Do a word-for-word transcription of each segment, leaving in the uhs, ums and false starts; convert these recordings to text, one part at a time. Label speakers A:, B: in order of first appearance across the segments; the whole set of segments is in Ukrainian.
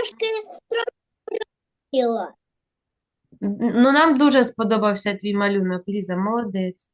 A: трошки троїла.
B: Ну, нам дуже сподобався твій малюнок, Ліза, молодець.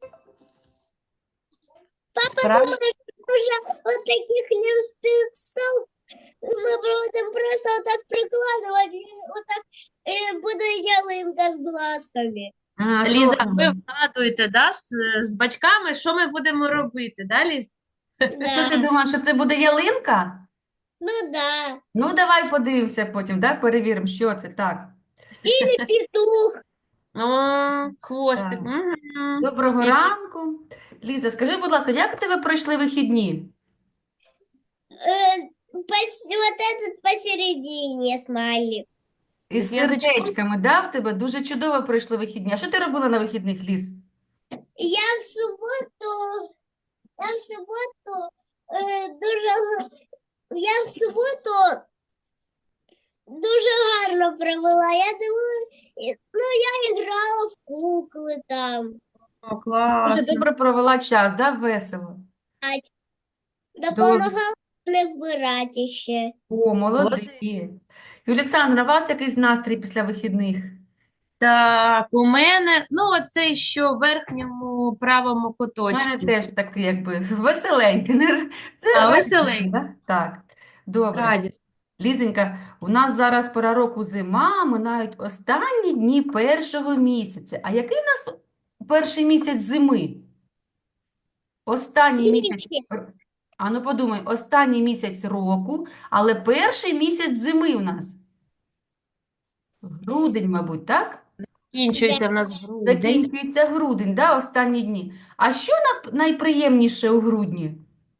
A: Папа
B: Справді?
A: думає, що вже от таких листів ми будемо просто отак прикладувати, і отак е, буде ялинка з глазками.
C: А,
B: Ліза, ви
C: добре.
B: вгадуєте, да, з, з батьками, що ми будемо робити, да, Ліз?
C: Що ти
A: Да.
C: думаєш, що це буде ялинка?
A: Ну да.
C: Ну, давай подивимося потім, да? Перевіримо, що це так.
A: Или петух.
B: О, хвостик.
C: Так.
B: Мгм.
C: Доброго
B: І-
C: ранку. Ліза, скажи, будь ласка, як у тебе пройшли вихідні?
A: Э, пос- вот этот посередине смайлик.
C: Із
B: З язичком?
C: сердечками, да, в тебе? Дуже чудово пройшли вихідні. А що ти робила на вихідних, Ліз?
A: Я в суботу, я в суботу е, дуже, я в суботу дуже гарно провела. Я дивилась, і- ну я грала в кукли там.
B: О,
C: Дуже
B: класно.
C: добре провела час, да? Весело. Добре.
A: Допомагала не вбирати ще.
C: О,
B: Молодець.
C: молодець. І, Олександра, у вас якийсь настрій після вихідних?
B: Так, у мене, ну, оцей, що в верхньому правому
C: У
B: куточку.
C: мене теж такий, якби, веселенький. Не... Це
B: А,
C: радісно,
B: веселенький.
C: да? Так, добре.
B: Радість.
C: Лізонька, у нас зараз пора року зима, минають останні дні першого місяця. А який у нас перший місяць зими? Останній місяць.
A: Сінічки.
C: А ну подумай, останній місяць року, але перший місяць зими у нас. Грудень, мабуть, так?
B: Кінчується в нас грудень.
C: Закінчується грудень, да, останні дні. А що нап- найприємніше у грудні?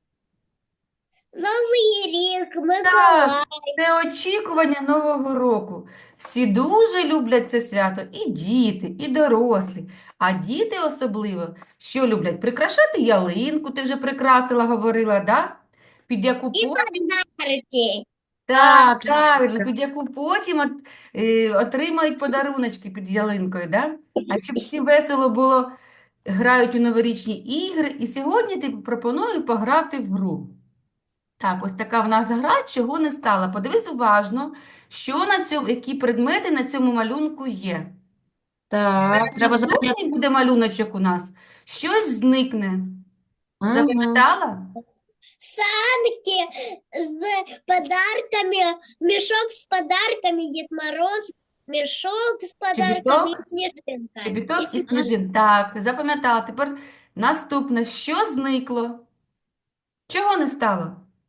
A: Новий рік,
C: Так,
A: Миколай.
C: це очікування Нового року. Всі дуже люблять це свято, і діти, і дорослі. А діти особливо, що люблять? Прикрашати ялинку, ти вже прикрасила, говорила, да? Під яку
A: І
C: потім,
A: подарки.
C: так,
B: Так,
C: правильно,
B: Лізочка.
C: під яку потім от, е, отримають подаруночки під ялинкою, да? А щоб всім весело було, грають у новорічні ігри. І сьогодні ти пропоную пограти в гру. Так, ось така в нас гра, чого не стала. Подивись уважно, що на цьому, які предмети на цьому малюнку є.
B: Так, треба запам'ятати.
C: Наступний буде малюночок у нас. Щось зникне.
B: Мгм.
C: Запам'ятала?
A: Санки з подарками, мішок з подарками, Дід Мороз, мішок з подарками і
C: Чобіток?
A: сніжинка. І
C: Чобіток і
A: сніжинка.
C: сніжин. Так, запам'ятала. Тепер наступне. Що зникло? Чого не стало?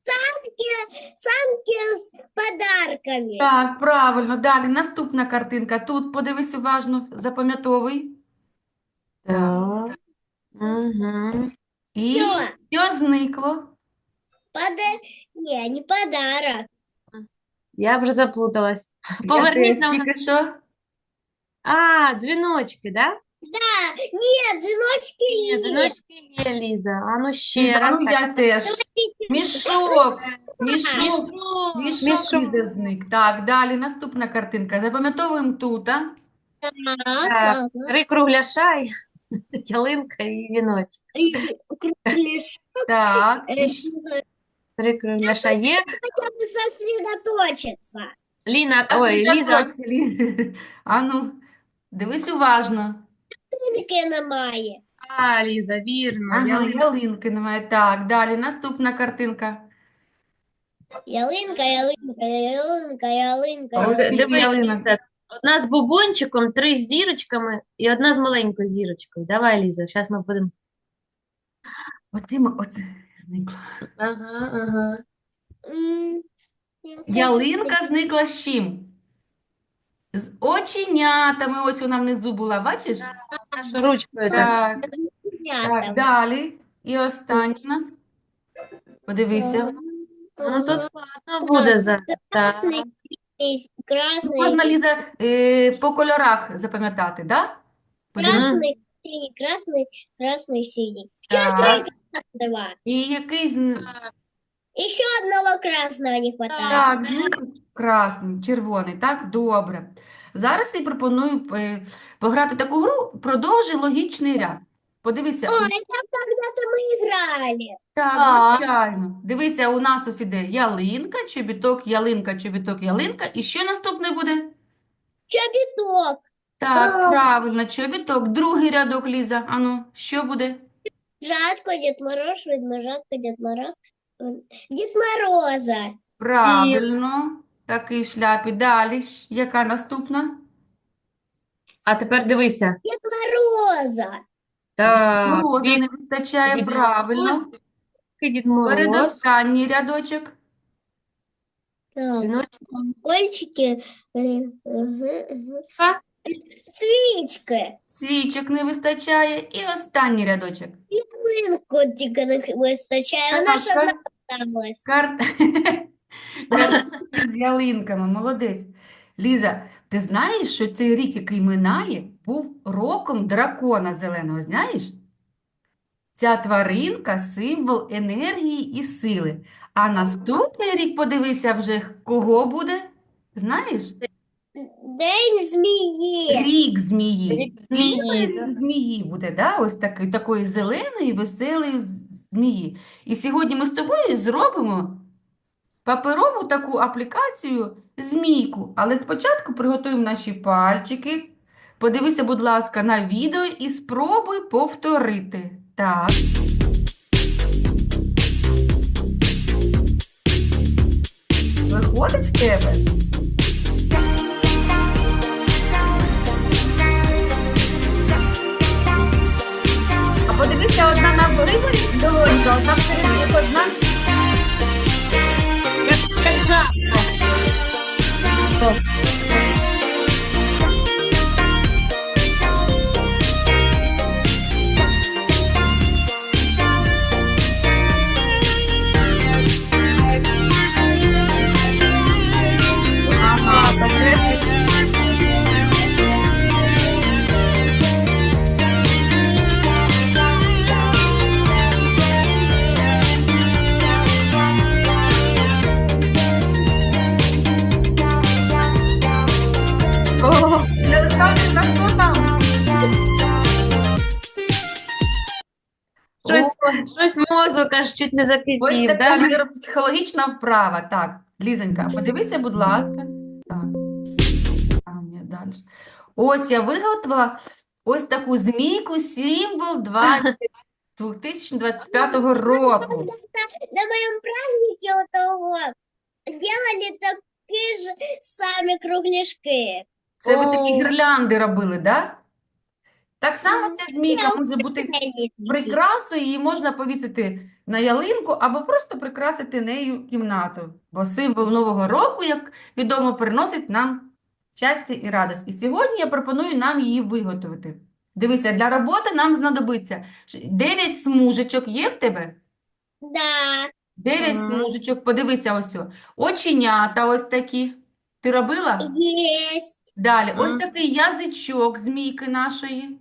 A: Санки з подарками.
C: Так, правильно. Далі наступна картинка. Тут подивись уважно, запам'ятовуй. Так.
B: Так. Угу.
C: І
A: Всё.
C: що зникло?
A: Пода... Не, не подарок.
B: Я вже заплуталась.
C: Я
B: Поверніть
C: теж
B: нам.
C: тільки що.
B: А, дзвіночки, да?
A: Да, нет, звеночки
B: Ні,
A: нет.
B: дзвіночки є, Ліза. А ну
C: Ну,
B: ще
C: да,
B: раз.
C: ну,
B: Так.
C: я теж. Мішок. Мішок.
B: Мішок.
C: Мішок
B: Мішок.
C: Ліза зник. Так, далі наступна картинка. Запам'ятовуємо тут. А?
A: Так,
B: Так, три кругляша, і ялинка і віночок.
A: и кругляш.
C: Так.
A: Э,
C: І щ-
B: Три кругляша є.
A: Хотя бы сосредоточиться.
B: Ліна, ой, Ліза,
C: Сосредоточся, Ліза. А ну, дивись уважно.
A: Ялинки немає.
B: а, Ліза, вірно.
C: Ага,
B: Ялинка.
C: ялинки немає. Так, далі наступна картинка.
A: Ялинка, ялинка, ялинка, ялинка,
C: Ось
B: Д-
C: скільки
A: ялинка.
B: Диви,
C: ялинок.
B: Ліза, одна з бубончиком, три з зірочками і одна з маленькою зірочкою. Давай, Ліза, зараз ми будемо.
C: Оце, м- оце зникла.
B: Ага, ага.
A: М, я хочу
C: Ялинка зникла з чим? З оченятами. Ось вона внизу була, бачиш?
B: Нашу ручкою так.
C: Так, так,
A: снятом.
C: далі. І останній у нас. Подивися.
B: Ну, тут складно буде зараз. Так.
A: Красный, синий, красный,
C: Можна, Ліза, е, по кольорах запам'ятати, да? Подивись.
A: красный, синий, красный, красный, синий.
C: Так.
A: Два.
C: І який з...
A: Еще одного красного не хватает.
C: Так, зник красний, червоний, так? Добре. Зараз я пропоную е, пограти таку гру, продовжи логічний ряд. Подивися,
A: Ой, там когда-то мы играли.
C: так,
B: Так.
C: звичайно. Дивися, у нас ось іде ялинка, чобіток, ялинка, чобіток, ялинка. І що наступне буде?
A: Чобіток.
C: Так,
B: Так.
C: правильно, чобіток. Другий рядок, Ліза. Ану, що буде?
A: Жатко, Дед Мороз, Ведмежатко, Дед Мороз. Дед Мороза.
C: Правильно. Такий в шляпі. Далі, ж, яка наступна?
B: А тепер дивися.
A: Дед Мороза.
B: Так,
C: Мороза
B: Дід
C: не вистачає,
B: Дід
C: правильно.
B: Мороз, Дід Мороз,
C: Передостанній рядочок.
A: Так,
B: синочка.
A: колокольчики. э, мгм, мгм. Свічки.
C: Свічок не вистачає. І останній рядочок.
A: Ялинку тільки не вистачає. Вона ж
C: Так,
A: одна
C: кар-
A: осталась.
C: Карт... Картинки з ялинками, молодець. Ліза, ти знаєш, що цей рік, який минає, був роком дракона зеленого, знаєш? Ця тваринка – символ енергії і сили. А наступний рік, подивися вже, кого буде? Знаєш?
A: День змії.
C: Рік змії.
B: Рік змії,
C: Цілий рік
B: так.
C: змії буде, да? Ось такий, такої зеленої, веселої з- змії. І сьогодні ми з тобою зробимо паперову таку аплікацію змійку. Але спочатку приготуємо наші пальчики. Подивися, будь ласка, на відео і спробуй повторити. Так. Виходить в тебе? А подивися, одна на виборі долонька, одна всередині, одна.
B: Як як жабка.
C: Ага, посередині.
B: О,
C: Олександрівна, хто там?
B: щось, щось мозок аж чуть не
C: Ось
B: закипів,
C: така
B: да?
C: нейропсихологічна вправа. Так, Лізонька, подивися, будь ласка. Так. А, ні, далі. Ось я виготовила ось таку змійку, символ двадцять дві тисячі двадцять п'ятого року.
A: На моем празднике у того делали такие же сами кругляшки.
C: Це ви такі
B: О.
C: гірлянди робили, да? Так само ця змійка може бути
A: Они такие.
C: прикрасою, її можна повісити на ялинку або просто прикрасити нею кімнату. Бо символ Нового року, як відомо, приносить нам щастя і радість. І сьогодні я пропоную нам її виготовити. Дивися, для роботи нам знадобиться дев'ять смужечок. Є в тебе?
A: Да,
C: дев'ять
B: Мгм.
C: смужечок. Подивися ось. о. Оченята ось такі. Ти робила?
A: есть,
C: Далі, ось
B: Мгм.
C: такий язичок змійки нашої.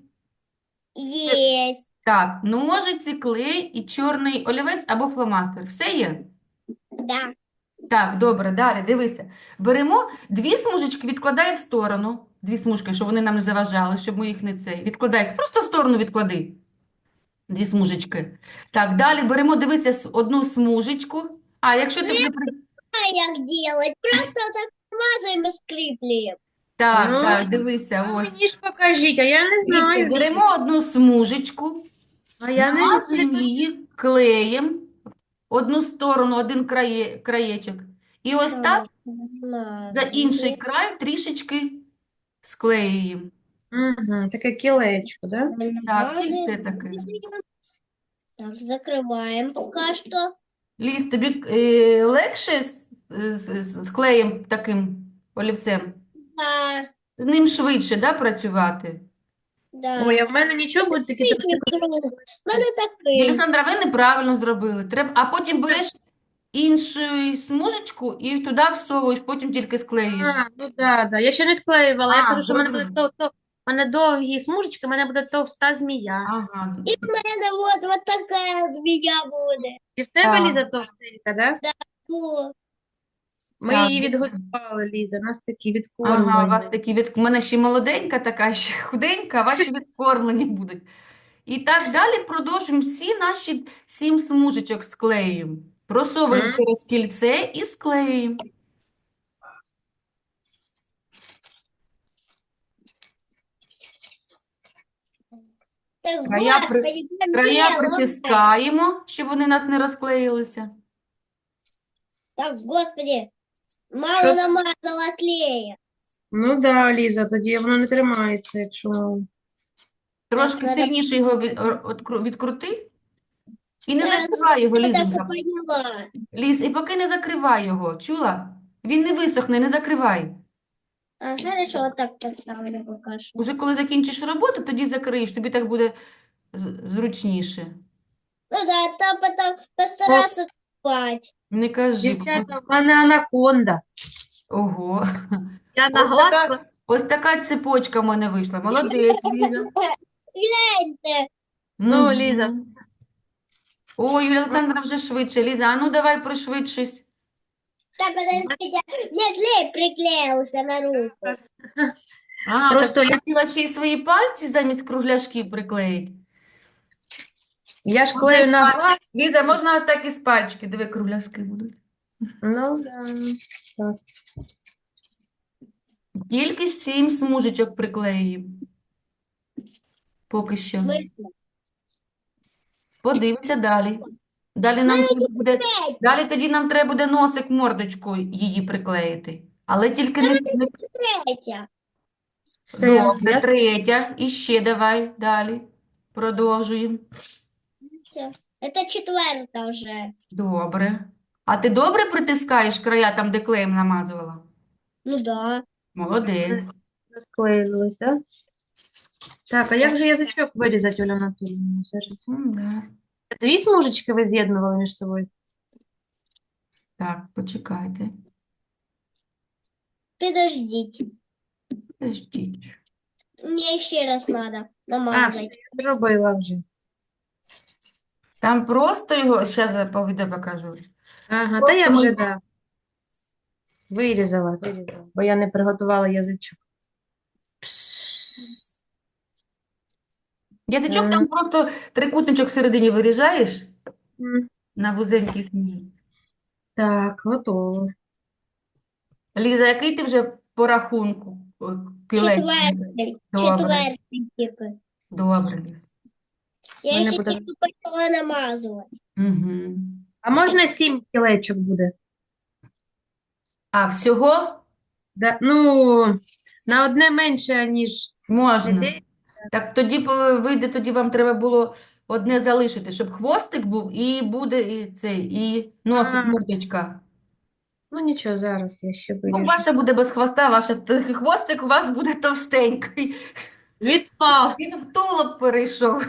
A: есть,
C: Так, ножиці, клей і чорний олівець або фломастер. Все є?
A: да.
C: Так, добре, далі, дивися. Беремо дві смужечки, відкладай в сторону. Дві смужки, щоб вони нам не заважали, щоб ми їх не цей. Відкладай їх, просто в сторону відклади. Дві смужечки. Так, далі беремо, дивися, с- одну смужечку. А, якщо ти вже... при-
A: А як делать? Просто так смазываем и скреплем.
C: Так,
B: Ну,
C: так, дивися,
B: А
C: ось.
B: мені ж покажіть, а я не
C: Дивіться,
B: знаю.
C: беремо одну смужечку,
B: А я не
C: намазуємо її клеєм, одну сторону, один крає, краєчок. І ось так за інший край трішечки склеюємо.
B: Угу, таке кілечко, да?
C: Так, і це таке.
A: Так, закрываем пока что.
C: Ліз, тобі е, легше з, з, з- з клеєм таким олівцем?
A: Да,
C: З ним швидше, да, працювати?
A: да.
B: Ой, а в мене нічого буде такі трошки.
A: У мене такий.
C: Олександра, ви неправильно зробили. Треба, а потім береш іншу смужечку і туди всовуєш, потім тільки склеїш.
B: А, ну да, да. Я ще не склеювала. Я
C: А,
B: кажу, що в мене буде
C: зрозуміло.
B: то, то, в мене довгі смужечки, в мене буде товста змія.
C: Ага.
A: І в мене от, от така змія буде.
B: І в тебе,
C: Так.
B: Ліза, товстенька, да?
A: О,
B: Ми
C: Так.
B: її відгодували, Ліза. У нас такі
C: Ага, у вас
B: відкормлені.
C: такі від... У мене ще молоденька така, ще худенька, а ваші відкормлені будуть. І так далі продовжуємо всі наші сім смужечок склеюємо. Просовуємо
B: М.
C: через кільце і склеюємо.
A: Так,
C: Края, при...
A: господи, там
C: Края
A: белое.
C: притискаємо, щоб вони у нас не розклеїлися.
A: Так, господи, мало
B: Що?
A: намазала клея.
B: Ну да, Ліза, тоді воно не тримається, якщо мало.
C: Трошки
A: надо-
C: сильніше його від... откру- відкрути. І не
A: Да,
C: закривай його,
A: Я так
C: Лізонька.
A: и поняла.
C: Ліз, і поки не закривай його, чула? Він не висохне, не закривай.
A: А, хорошо, вот так поставлю пока что.
C: Уже коли закінчиш роботу, тоді закриєш, тобі так буде з- зручніше.
A: Ну да, там потом постараться спать.
C: Не кажи.
B: Дівчата, в мене анаконда.
C: Ого.
B: Я на
C: Ось
B: глаз
C: така,
B: просто-
C: ось така цепочка в мене вийшла. Молодець, Ліза.
A: Гляньте,
B: Ну,
C: Мгм.
B: Ліза.
C: Ой, Юлія Олександра вже швидше. Ліза, а ну давай пришвидшись.
A: да подождите, мне клей приклеился на руку.
C: А,
B: Просто
C: так
B: я-
C: хотіла ще й свої пальці замість кругляшків приклеїти.
B: Я ж
C: Ну,
B: клею
C: десь
B: на
C: паль-
B: глаз.
C: Ліза, можна ось так і з пальчики. Диви, кругляшки будуть.
B: Ну, да. Так.
C: Тільки сім смужечок приклеюємо. Поки
A: В
C: що.
A: смысле?
C: Подивимося далі. Далі нам треба буде, далі тоді нам треба буде носик, мордочку її приклеїти. Але тільки не, не...
A: Третья.
B: Все,
C: Добре,
B: я-
C: третя. І ще давай далі. Продовжуємо.
A: Это четвертая уже.
C: Добре. А ти добре притискаєш края там, де клеєм намазувала?
A: Ну да.
C: Молодець.
B: Розклеїлось, так? Так, а як же язичок вирізати, Оля Анатоліївна? Зараз.
C: М, зараз.
B: Дві смужечки ви з'єднували між собою?
C: Так, почекайте.
A: Подождите.
C: Подождіть.
A: Мне еще раз надо намазать.
B: Я зробила вже.
C: Там просто його, зараз я по відео покажу.
B: Ага, та я
C: Просто ми-
B: вже, да. Вирізала, вирізала, бо я не приготувала язичок.
C: Язичок
B: Мгм.
C: там просто трикутничок всередині виріжаєш
B: М,
C: на вузенький смужок.
B: Так, готово.
C: Ліза, який ти вже по рахунку о, кілець?
A: Четвертый.
C: Добре.
A: Четвертый типа.
C: Добре, Ліз.
A: Я
B: Мене
A: еще
B: буде-
A: тільки почала намазувати.
C: Угу.
B: А можна сім кілечок буде?
C: А, всього
B: Да, ну, на одне менше, ніж
C: можна.
B: дев'ять.
C: Так тоді по- вийде, тоді вам треба було одне залишити, щоб хвостик був і буде і цей, і носик,
B: А.
C: мордочка.
B: Ну, нічого, зараз я ще
C: Ну,
B: виріжу.
C: ваша буде без хвоста, ваша т- хвостик у вас буде товстенький.
B: Відпав.
C: Він в тулуб перейшов.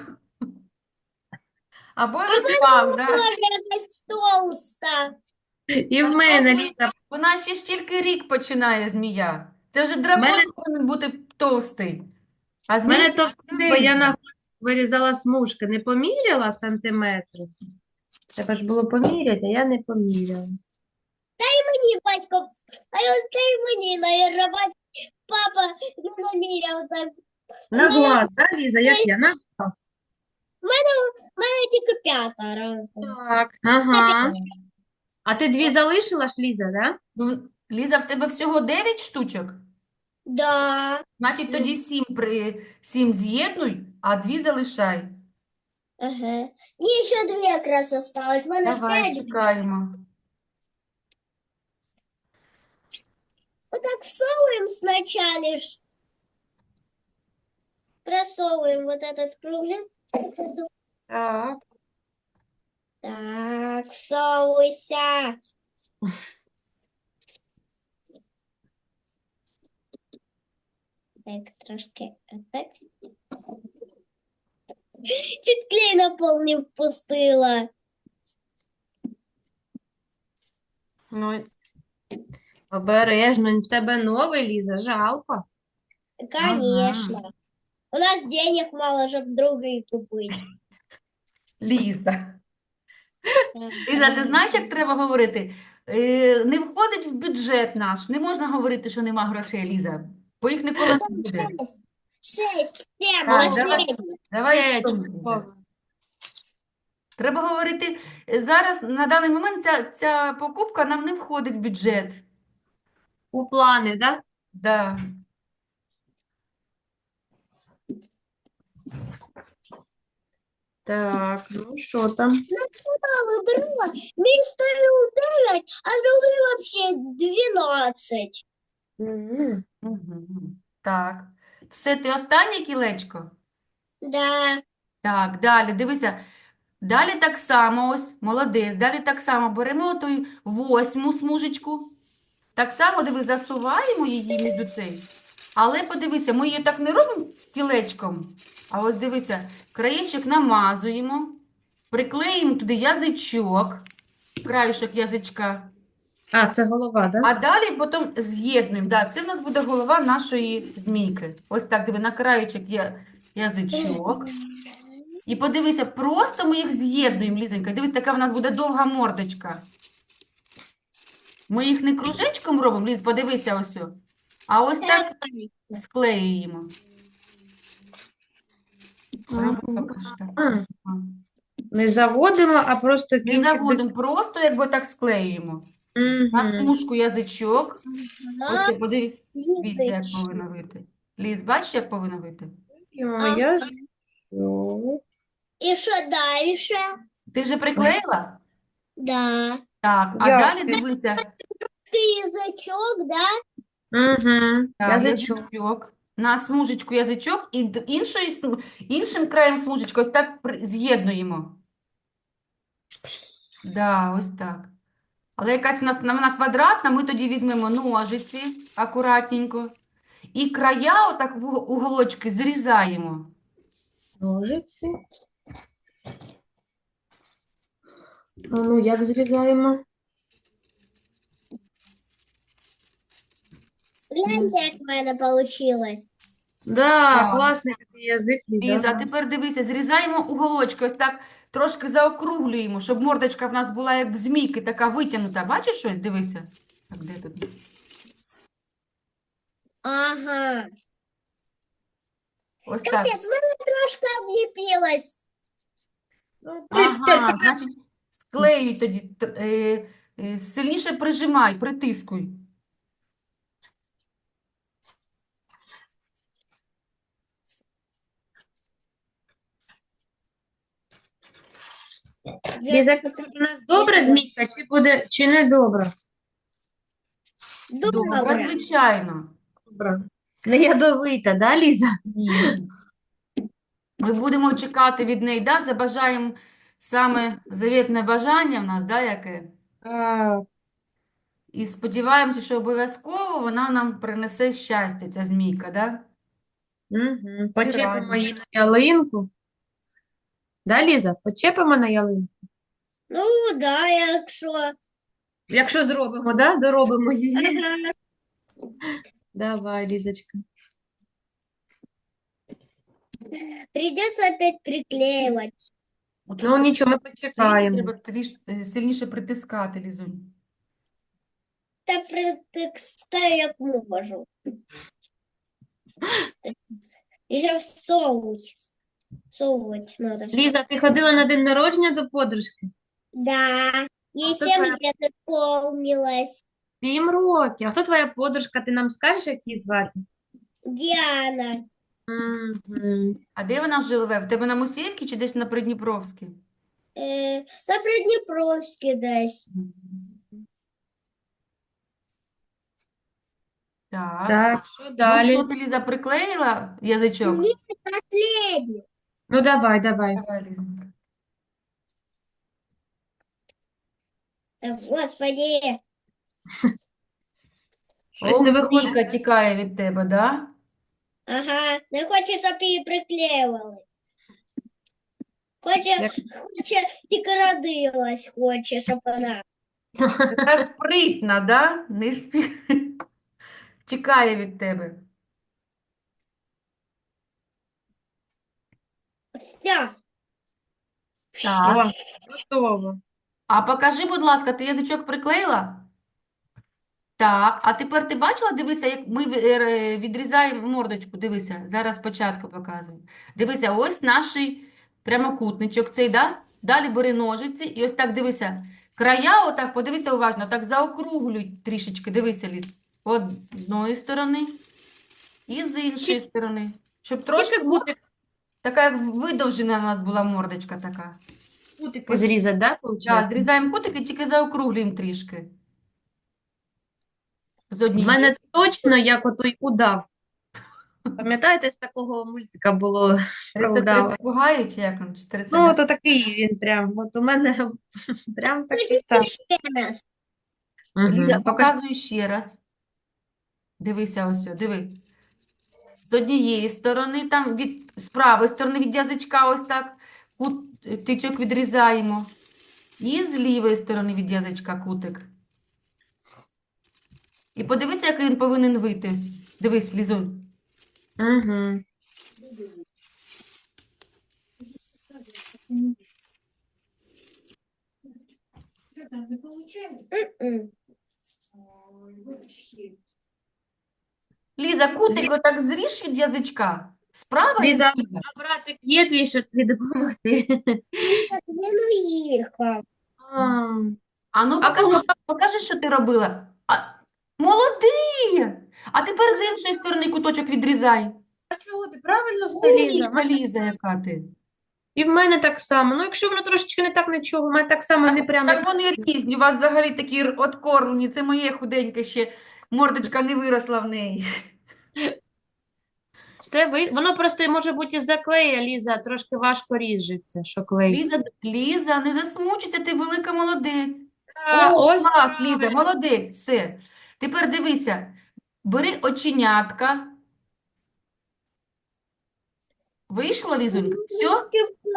C: Або й відпав, да?
A: Тоже якась толста.
B: І в мене, Ліза,
C: Вона ще ж тільки рік починає змія. Це вже дракон
B: Мене-
C: повинен бути товстий. А
B: в мене
C: змій
B: то, бо я на вирізала смужки, не поміряла сантиметри. Треба ж було поміряти, а я не поміряла.
A: Мені батько, а я це й мені, наверное, бать- папа не наміряв так.
B: На
A: Ні.
B: глаз, да, Ліза, як я? На глаз.
A: У мене тільки п'ята раз.
B: Так, ага. А ти дві залишила ж, Ліза, да?
C: Ну, Ліза, в тебе всього дев'ять штучок?
A: Да.
C: Значить, тоді сім при сім з'єднуй, а дві залишай.
A: Ага. Мне еще две как раз осталось. У мене ж
C: Давай,
A: п'ять.
C: чекаємо.
A: Вот так всовываем сначала ж. Просовываем вот этот кружок.
B: Так.
A: Так, всовывайся. Так, трошки так. Чуть клей на пол не впустила.
B: Ну, обережно, в тебе новий, Ліза, жалко.
A: Конечно. У нас денег мало, чтобы другие купить.
C: Ліза. Ліза, ти знаєш, як треба говорити? Е, не входить в бюджет наш. Не можна говорити, що нема грошей, Ліза. Бо їх ніколи не буде.
A: Шесть, семь,
C: Так, давай,
A: последний.
C: давай
B: Е,
C: що, Ліза?
B: чудово.
C: Треба говорити, е, зараз на даний момент ця, ця покупка нам не входить в бюджет.
B: У плани, да?
C: Да.
B: Так, ну що там?
A: Мама выбрала, мне ставил девять, а другой вообще двенадцать.
B: М.
C: Мгм. Так. Все, ти останнє кілечко?
A: Да.
C: Так, далі, дивися. Далі так само, ось, молодець. Далі так само беремо ту восьму смужечку. Так само, диви, засуваємо її між цей. Але подивися, ми її так не робимо кілечком. А ось дивися, краєчок намазуємо, приклеїмо туди язичок, краєшок язичка.
B: А, це голова, да?
C: А далі потім з'єднуємо. Да, це в нас буде голова нашої змійки. Ось так, диви, на краєчок є язичок. І подивися, просто ми їх з'єднуємо, Лізонька. Дивись, така в нас буде довга мордочка. Ми їх не кружечком робимо, Ліз, подивися ось. о. А ось так склеюємо. Роби
B: Ага.
C: поки що так.
B: А, не заводимо, а просто
C: Не
B: кінчик до...
C: заводимо, просто якби так склеюємо. На
B: Мгм.
C: смужку язичок. Ось ти подивіться, як
A: Языч.
C: повинно вийти. Ліз, бачиш, як повинно вийти?
B: Ой, я з- Ну,
A: И что дальше?
C: Ти вже приклеїла?
A: Да.
C: Так, а
B: Я-
C: далі дивися.
A: Ты язычок, да?
B: Мгм.
C: Так,
B: Язичок.
C: язичок. На смужечку язичок і д- іншою, см- іншим краєм смужечки ось так при- з'єднуємо. Да, ось так. Але якась у нас вона квадратна, ми тоді візьмемо ножиці акуратненько. І края отак в уг- уголочки зрізаємо.
B: Ножиці. А ну, як зрізаємо?
A: Гляньте, как у меня получилось.
B: Да,
C: Так.
B: класний такий язик, Ліза.
C: Ліза, а тепер дивися, зрізаємо уголочки, ось так трошки заокруглюємо, щоб мордочка в нас була як в змійки, така витягнута. Бачиш щось? Дивися. Так, де тут?
A: Ага.
C: Ось так.
A: Капец, она трошка облепилась.
B: Ну, при-
C: Ага, значить, склеюй тоді, т- е, е, сильніше прижимай, притискуй.
B: Ліза, у нас добра змійка, чи буде, чи не добра?
C: Добре,
A: Добре.
C: звичайно.
B: Добра. Не ядовита, да, Ліза?
C: Ні. Ми будемо чекати від неї, да? Забажаємо саме завітне бажання в нас, да, яке?
B: А,
C: І сподіваємося, що обов'язково вона нам принесе щастя, ця змійка, да?
B: угу. Почепимо
C: раді.
B: її на ялинку. Да, Ліза? Почепимо на ялинку.
A: Ну, да, якщо.
B: Якщо зробимо, да? Доробимо її.
A: Ага.
B: Давай, Лізочка.
A: Придется опять приклеивать.
C: От
B: Ну, нічого, ми
C: Це
B: почекаємо.
C: треба тріш... е, сильніше притискати, Лізунь.
A: Та притискаю, як можу. І ще всовуть. Всовуть надо.
B: Ліза, ти ходила на день народження до подружки?
A: Да. Ей
B: Хто
A: семь
B: твоя-
A: лет исполнилось.
B: Сім років. А хто твоя подружка? Ти нам скажеш, як її звати?
A: Діана.
B: Угу.
C: А де вона живе? В тебе на Мусіївці чи десь на Придніпровській?
A: Е, на Придніпровській десь.
C: Так.
B: Так, що
C: Ну
B: далі?
C: що, ти, Ліза, приклеїла язичок?
A: Ні. Последний.
B: Ну, давай, давай.
C: Давай, Лізонька.
A: Та, Господи.
B: Щось не
C: О,
B: виходить.
C: Міка тікає від тебе, да?
A: Ага. Не хоче, щоб її приклеювали. Хоче,
B: Як-
A: хоче, тільки родилась, хоче, щоб вона.
C: Така спритна, да? Не спі... Тікає від тебе.
A: Все.
C: Так.
B: О, готово.
C: А покажи, будь ласка, ти язичок приклеїла? так. А тепер ти бачила, дивися, як ми в- е, відрізаємо мордочку. Дивися, зараз спочатку показую. Дивися, ось наш прямокутничок цей, да? Далі бери ножиці і ось так дивися. Края, отак, подивися уважно, так заокруглюй трішечки. Дивися, Ліз. З одної сторони і з іншої сторони. Щоб трошки
B: Кутик,
C: така як видовжена у нас була мордочка така.
B: кутики зрізати, да,
C: Так,
B: виходить?
C: зрізаємо кутики, тільки заокруглюємо трішки. З
B: В
C: однієї.
B: мене точно як отой удав. Пам'ятаєте, з такого мультика було про
C: Тридцять три
B: удава?
C: попугаї, чи як там, чи тридцять,
B: Ну,
C: да?
B: то такий він прям. От у мене прям такий
A: Скажіть
B: сам.
A: ще раз.
C: Ліза,
B: Угу. Покажи.
C: показую ще раз. Дивися ось, о, диви. З однієї сторони, там від, з правої сторони від язичка ось так кут, тичок відрізаємо. І з лівої сторони від язичка кутик. І подивися, який він повинен вийти. Дивись, Лізунь.
B: Угу.
A: М-м.
C: Ліза, кутик отак зріж від язичка. Справа і
B: Ліза,
C: зліва.
B: а братик є твій, щоб тобі допомогти?
A: Так він уїхав.
B: А,
C: А ну
B: А
C: покажи,
B: кого?
C: покажи, що ти робила. А, молодець! А тепер з іншої сторони куточок відрізай.
B: А чого ти правильно все, Ліза? В
C: Умнічка,
B: мене-
C: Ліза, яка ти.
B: І в мене так само. Ну, якщо воно трошечки не так, нічого, в мене так само не прямо.
C: Так вони різні, у вас взагалі такі р- откормлені. Це моє худеньке ще, мордочка не виросла в неї.
B: Все ви... Воно просто може бути із-за клея, Ліза, трошки важко ріжеться, що клей.
C: Ліза, Ліза, не засмучуйся, ти велика молодець.
B: А,
C: О,
B: ось
C: клас, Ліза,
B: правильно.
C: молодець, все. Тепер дивися, бери оченятка. Вийшло, Лізонька? Все?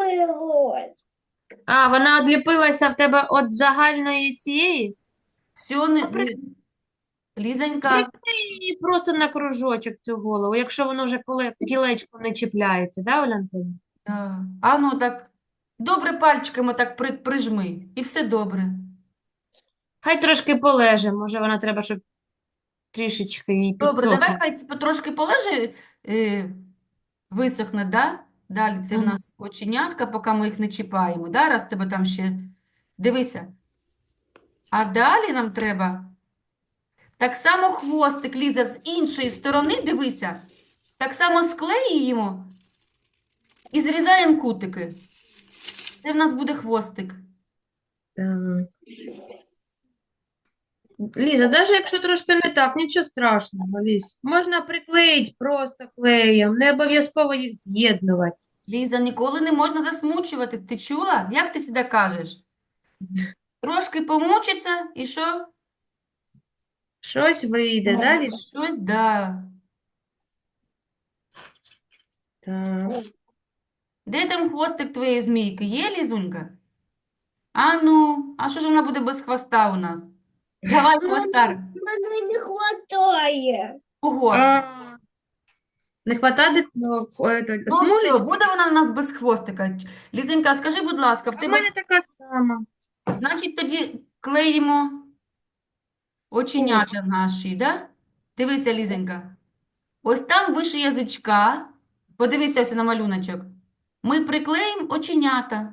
B: А, вона одліпилася в тебе від загальної цієї?
C: Все, не...
B: Добре.
C: не- Лізонька,
B: Приклеї просто на кружочок цю голову, якщо воно вже коле... кілечко не чіпляється, да, Олянтина?
C: а, а ну так, добре пальчиками так при, прижми, і все добре.
B: Хай трошки полеже, може вона треба, щоб трішечки їй
C: Добре,
B: підсохло.
C: давай хай ц- трошки полежи, е, висохне, да? Далі це в
B: Мгм.
C: нас оченятка, поки ми їх не чіпаємо, да? Раз тебе там ще... Дивися. А далі нам треба так само хвостик, Ліза, з іншої сторони, дивися, так само склеюємо і зрізаємо кутики. Це в нас буде хвостик.
B: Так. Ліза, навіть якщо трошки не так, нічого страшного, Ліз. Можна приклеїти просто клеєм, не обов'язково їх з'єднувати.
C: Ліза, ніколи не можна засмучувати. Ти чула? Як ти завжди кажеш? Трошки помучиться і що?
B: Щось вийде, да, Ліз?
C: Щось, да.
B: Так.
C: Де там хвостик твоєї змійки? Є, Лізунька? А ну, а що ж вона буде без хвоста у нас? Давай хвоста.
A: Мене не хватає.
C: Кого?
B: А, не хватає ну, е, то,
C: Ну що,
B: смужечки?
C: буде вона в нас без хвостика? Лізенька, скажи, будь ласка, в
B: А в
C: тебе,
B: мене така сама.
C: значить, тоді клеїмо оченята наші, да? Дивися, Лізенька. Ось там вище язичка, подивися ось на малюночок. Ми приклеїмо оченята.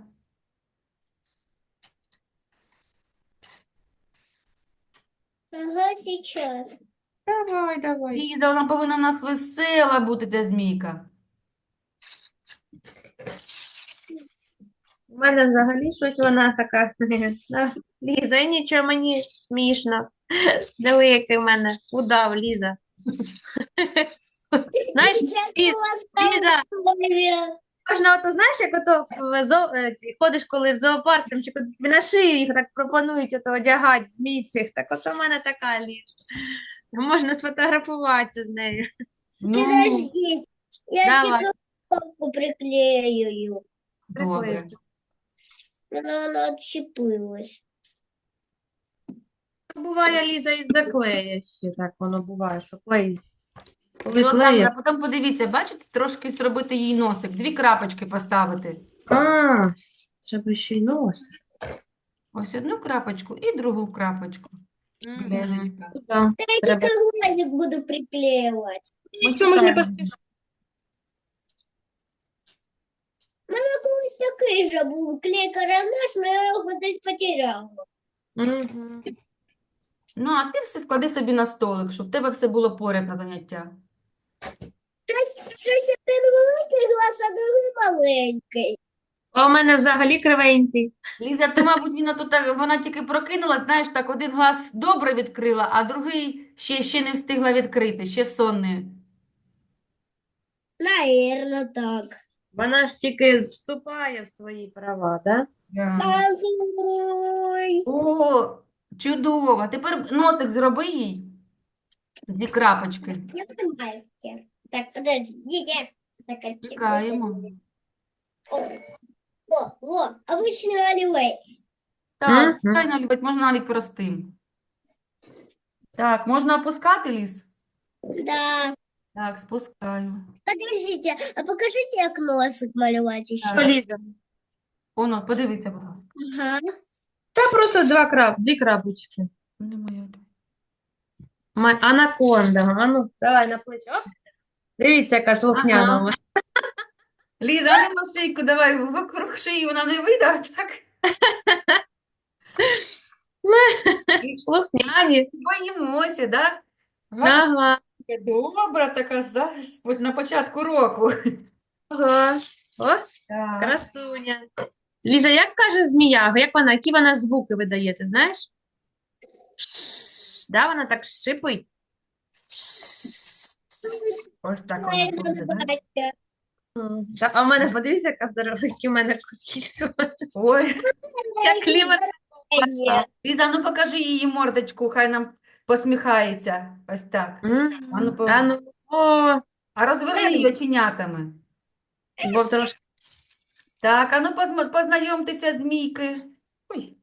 A: Ага, сейчас.
B: Давай, давай.
C: Ліза, вона повинна в нас весела бути, ця змійка.
B: У мене взагалі щось вона така. А, Ліза, і нічого, мені смішно. Диви, який в мене удав, Ліза. Знаєш,
A: Сейчас
B: Ліз,
A: у вас
B: Ліза,
A: там
B: можна, ото, знаєш, як ото в зо... е, ці, ходиш, коли в зоопарк, там, чи кудись тобі на шию їх так пропонують ото одягати, змій цих. Так от у мене така, Ліз. Можна сфотографуватися з нею.
C: Ну,
A: Подожди, я
B: Давай.
A: тебе палку приклею.
C: добре.
A: Она, она отщепилась.
B: Буває, Ліза, із-за клея ще так воно буває, що клей. Коли
C: Олександра,
B: клеє.
C: потім подивіться, бачите, трошки зробити їй носик, дві крапочки поставити.
B: А, треба ще й нос.
C: Ось одну крапочку і другу крапочку.
B: Мгм.
C: Бережечка.
B: Ну, да.
A: Я
B: Треба.
A: тільки глазик буду приклеювати.
C: Ми
B: Що можна
C: чекаємо.
B: поспішати?
A: У мене колись такий же був клей-карандаш, але я його десь потеряла.
B: Мгм.
C: Ну, а ти все склади собі на столик, щоб в тебе все було поряд на заняття.
A: Щось, щось один великий глаз, а другий маленький.
B: А у мене взагалі кривенький.
C: Ліза, то, мабуть, вона, тут, так- вона тільки прокинула, знаєш, так, один глаз добре відкрила, а другий ще, ще не встигла відкрити, ще сонний.
A: Наверно, так.
B: Вона ж тільки вступає в свої права, да?
C: Да.
A: Ой.
C: О, чудово. Тепер носик зроби їй зі крапочки.
A: Я понимаю. Так, подождите. Так, а
C: Чекаємо.
A: О, о, во, обычный оливець.
C: Так,
B: Мгм.
C: звичайно, любить, можна навіть простим. Так, можна опускати ліс?
A: Да.
C: Так, спускаю.
A: Подождите, а покажите, як носик малювати
C: Так.
A: ще.
B: Поліза.
C: Оно, подивися, будь ласка.
A: Ага.
B: Та просто два крап, дві крапочки.
C: Не моя.
B: Ма- Анаконда. А ну, давай на плечі. Оп. Дивіться, яка слухняна
C: Ага.
B: у мене.
C: Ліза, а ну на шийку давай, вокруг шиї вона не вийде, а так?
B: Слухняні.
C: Боїмося, да? Га,
B: Ага.
C: добра така зараз, от на початку року.
B: Ага. О,
C: Так.
B: красуня. Ліза, як каже змія? Як вона, які вона звуки видає, ти знаєш? Да, вона так шипить.
C: Ось так вона буде, да?
B: М, та- А в мене, подивіться, яка здорова, які в мене кільцо.
C: Ой,
B: Як клімат.
C: Ліза, ну покажи її мордочку, хай нам посміхається. Ось так.
B: М,
C: А ну, по-
B: А ну, о,
C: А розверни її оченятами.
B: бо трошки.
C: Так, а ну позна- познайомтеся з Мійки. Ой,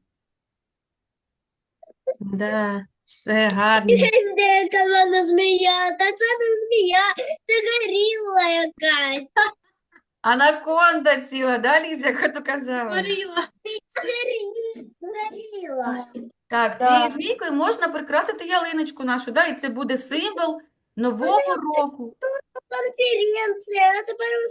B: Да, все гарно.
A: Яка вона змія? Та це не змія, це горіла якась.
C: анаконда ціла, да, Ліза, як то казала?
B: Горіла.
A: Горі- Горіла.
C: Так,
B: Так.
C: цією змійкою можна прикрасити ялиночку нашу, да, і це буде символ Нового року.
A: Конференція, а тепер